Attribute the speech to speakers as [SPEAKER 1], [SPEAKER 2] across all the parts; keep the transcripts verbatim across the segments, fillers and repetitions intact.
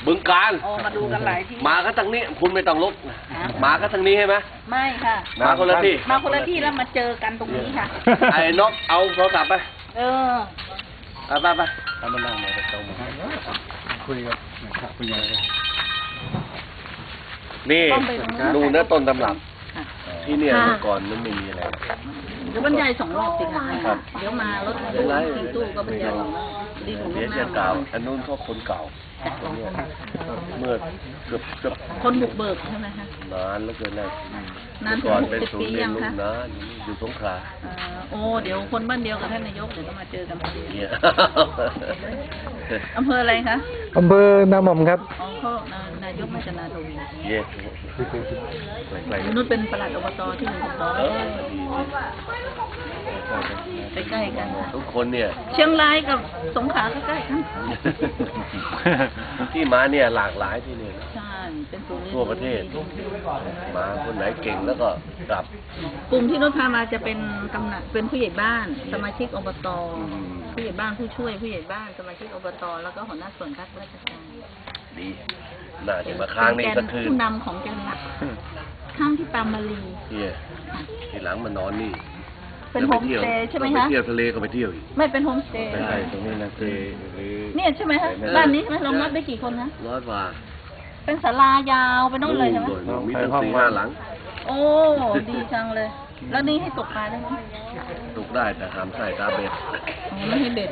[SPEAKER 1] บึงการ
[SPEAKER 2] โอ้มาดูกันหลายที่
[SPEAKER 1] มาก็ทางนี้คุณไม่ต้องลุกมาก็ทางนี้ใช่ไหม
[SPEAKER 2] ไม่ค่ะ
[SPEAKER 1] มาคนละที่
[SPEAKER 2] มาคนละที่แล้วมาเจอกันตรงนี้ค่ะ
[SPEAKER 1] ไอ้นกเอาโทรศัพท์ไป
[SPEAKER 2] เออ
[SPEAKER 1] ไปไปไป
[SPEAKER 3] ทำมานั่งมาตรงมาคุยกับคุยอะไร
[SPEAKER 1] นี่ดูเนื้อต้นตำรับที่เนี่ยเมื่อก่อนมันไม่มีอะไร
[SPEAKER 2] เดี๋ยวบรรยายสองรอบสิค่ะเดี๋ยวมารถตู้ทิ้งตู้ก็บรรยายสองรอบดีของลูกน้า
[SPEAKER 1] เก่าอันนู้นก็คนเก่าเมื่อเกือบเกือบ
[SPEAKER 2] คนบุกเบิกใช่ไหมคะ
[SPEAKER 1] นานแล้วเกินนะ
[SPEAKER 2] นานถึงหกสิบปียังคะ
[SPEAKER 1] นานอยู่สงขลา
[SPEAKER 2] โอ้เดี๋ยวคนบ้านเดียวกับท่านนายกเดี๋ยวต้องมาเจอกันพอดีอำเภออะไรคะ
[SPEAKER 3] อำเภอนาหม่อมครับ
[SPEAKER 2] อ๋อเขานายกมาจากนาทวี
[SPEAKER 1] เย่
[SPEAKER 2] นุ่นเป็นปลัดอบตที่หนึ่งอบตใกล้ๆกัน
[SPEAKER 1] ทุกคนเนี่ย
[SPEAKER 2] เชียงรายกับสงขลาก็ใกล้กัน
[SPEAKER 1] ที่มาเนี่ยหลากหลายที่นี่
[SPEAKER 2] ใช่เป็น
[SPEAKER 1] ทั่วประเทศมาคนไหนเก่งแล้วก็กลับ
[SPEAKER 2] กลุ่มที่นุ่นพามาจะเป็นกำนันเป็นผู้ใหญ่บ้านสมาชิกอบตผู้ใหญ่บ้านผู้ช่วยผู้ใหญ่บ้านสมาชิกอบตแล้วก็หัวหน้าส่วนราชการ
[SPEAKER 1] ดีน่าจะมาค้างนี่สักคืน
[SPEAKER 2] ผู้นำของจังหวัดข้ามที่ปามาลี
[SPEAKER 1] เนี่ยทีหลังมานอนนี่
[SPEAKER 2] เป็นโฮมสเตย์ใช่ไหมคะ
[SPEAKER 1] ไปเที่ยวทะเลก็ไปเที่ยวอีก
[SPEAKER 2] ไม่เป็นโฮมสเตย์
[SPEAKER 1] ใช่ตรงนี้นะคือ
[SPEAKER 2] เนี่ยใช่ไหมคะบ้านนี้ใช่ไหมรองรับได้กี่คนนะ
[SPEAKER 1] ร้อยกว่า
[SPEAKER 2] เป็นศาลายาวไปนู่นเลยใช่ไหม
[SPEAKER 1] มีตั้งสี่ห้าหลัง
[SPEAKER 2] โอ้ดีจังเลยแล้วนี่ให้ตกปลาได้ไหม
[SPEAKER 1] ตกได้แต่ห้ามใส่ตาเบ็ด
[SPEAKER 2] ไม่ให้เบ็ด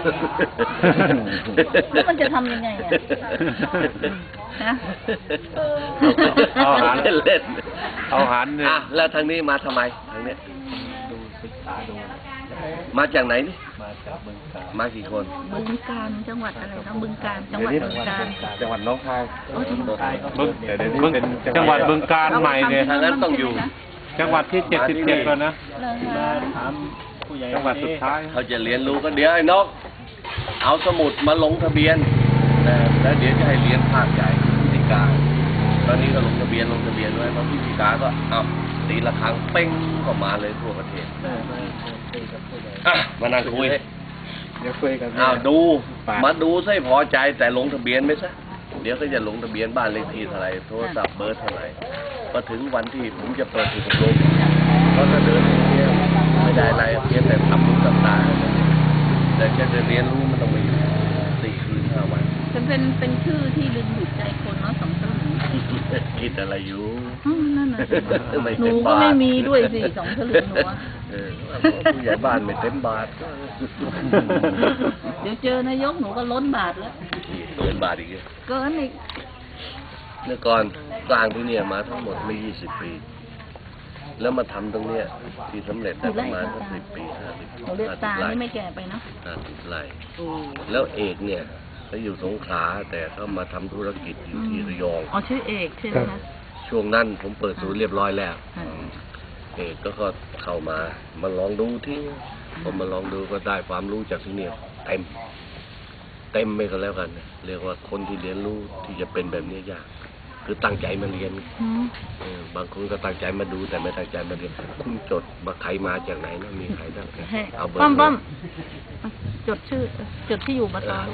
[SPEAKER 2] แล้วมันจะทำยังไงอ่ะฮะ
[SPEAKER 1] เอาหารเล่นเอาหารเนี่ยแล้วทางนี้มาทำไมทางนี้
[SPEAKER 3] ดูศึกษาดู
[SPEAKER 1] มาจากไหนนี่
[SPEAKER 3] มาจากบึงกาฬ
[SPEAKER 1] มากี่คน
[SPEAKER 2] บึงกาฬจังหวัดอะไรนะบึงกาฬจังหวัดบึงกาฬ
[SPEAKER 3] จังหวัดน้องคาย
[SPEAKER 4] บึงบึงจังหวัดบึงกาฬใหม่เนี่ย
[SPEAKER 1] ทางนั้นต้องอยู่
[SPEAKER 4] จังหวัดที่เจ็ดสิบเจ็ดแล้วนะ
[SPEAKER 3] มาถามผู้ใหญ่
[SPEAKER 4] จังหวัดสุดท้าย
[SPEAKER 1] เขาจะเรียนรู้กันเดี๋ยวไอ้นกเอาสมุดมาลงทะเบียนแล้วเดี๋ยวจะให้เรียนภาคใหญ่พิธีการตอนนี้ก็ลงทะเบียนลงทะเบียนไว้เพราะพิธีการก็เอาตีละครั้งเป้งก็มาเลยทั่วประเทศอ่ะมานั่งคุย
[SPEAKER 3] เดี๋ยวคุยกัน
[SPEAKER 1] อ้าวดูมาดูซะพอใจแต่ลงทะเบียนไม่ซะเดี๋ยวก็จะลงทะเบียนบ้านเลขที่เท่าไหร่โทรศัพท์เบอร์เท่าไหร่พอถึงวันที่ผมจะเปิดถูกอบรมก็จะเดินเที่ยวไม่ได้อะไรเพียงแต่ทำรู้กับตาแต่แค่จะเรียนรู้มันต้องไปอยู่สี่คืนห้าวัน
[SPEAKER 2] เป็นเป็นเป็นชื่อที่ดึงดูดใจคนเนาะสองตลึง
[SPEAKER 1] คิดอะไรอยู่
[SPEAKER 2] นั่นน่ะหนูก็ไม่มีด้วยสิสองตลึงหนู
[SPEAKER 1] ผู้ใหญ่บ้านไม่เต็มบาท
[SPEAKER 2] เดี๋ยวเจอนายกหนูก็ล้นบาทแล้ว
[SPEAKER 1] เกินบาทอีก
[SPEAKER 2] เกินอีก
[SPEAKER 1] เมื่อก่อนสร้างที่เนี่ยมาทั้งหมดไม่ยี่สิบปีแล้วมาทำตรงเนี้ยที่สำเร็จได้ประมาณสักสิบปีห้าสิบ
[SPEAKER 2] หนูเรียกตานี่ไม่แก่ไปเนาะ
[SPEAKER 1] ห้าสิบไร่แล้วเอกเนี่ยเขาอยู่สงขลาแต่เขามาทำธุรกิจอยู่ที่ระยอง
[SPEAKER 2] อ๋อชื่อเอกใช่ไหมคะ
[SPEAKER 1] ช่วงนั้นผมเปิดศูนย์เรียบร้อยแล้วเอกก็ก็เข้ามามาลองดูที่ผมมาลองดูก็ได้ความรู้จากที่เนี่ยเต็มเต็มไปก็แล้วกันเรียกว่าคนที่เรียนรู้ที่จะเป็นแบบนี้ยากคือตั้งใจมาเรียนบางคนก็ตั้งใจมาดูแต่ไม่ตั้งใจมาเรียนคุณจดมาใครมาจากไหนนะมีใครบ้าง
[SPEAKER 2] เอาเบอร์ป้อมจดชื่อจดที่อยู่มาตอน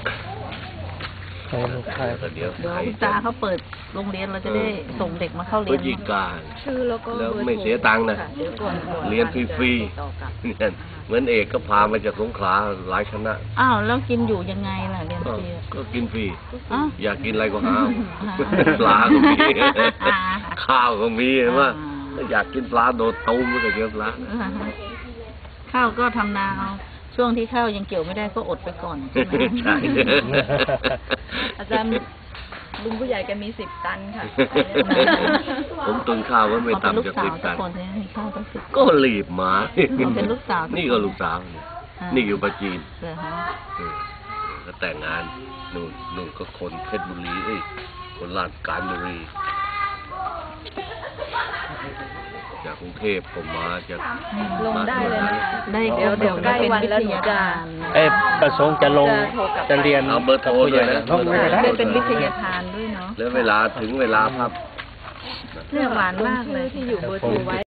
[SPEAKER 1] เดี๋ยว
[SPEAKER 2] คุณตาเขาเปิดโรงเรียนเราจะได้ส่งเด็กมาเข้าเรียน
[SPEAKER 1] ยิการ
[SPEAKER 2] ชื่อแล้วก็
[SPEAKER 1] แล้วไม่เสียตังค์นะเรียนฟรีๆเหมือนเอกก็พามาจากสงขลาหลายคณะ
[SPEAKER 2] อ้าวแล้วกินอยู่ยังไงล่ะเรียนฟรี
[SPEAKER 1] ก็กินฟรีอยากกินอะไรก็หาปลาก็มีข้าวก็มีเห็นไหมอยากกินปลาโดดตูมก็เยอะปลา
[SPEAKER 2] ข้าวก็ทำนาเอาช่วงที่ข้าวยังเกี่ยวไม่ได้ก็อดไปก่อนใช่ไหมใช่อาจารย์ลุงผู้ใหญ่แกมีสิบตันค่ะ
[SPEAKER 1] ผมตุนข้าวไว้ไม่ต่ำจากสิบตันก็รีบมา
[SPEAKER 2] เป็นลูกสาว
[SPEAKER 1] นี่ก็ลูกสาวนี่อยู่ปัจจีนก็แต่งงานนู่นนู่นก็คนเพชรบุรีเอ้ยคนลาดกาญบุรีจากกรุงเทพผมมาจาก
[SPEAKER 2] ลงได้เลยนะได้เดี๋ยวเดี๋ยวใกล้วันแล้วหนูจะ
[SPEAKER 3] เอ๊ะประสงค์จะลงจะเรียน
[SPEAKER 1] เอาเบอร์โทรด้วยนะ
[SPEAKER 2] ได้เป็นวิทยาทานด้วยเนาะ
[SPEAKER 1] แล้วเวลาถึงเวลาครับ
[SPEAKER 2] เรื่องหวานมากเลยที่อยู่เบอร์โทรไว้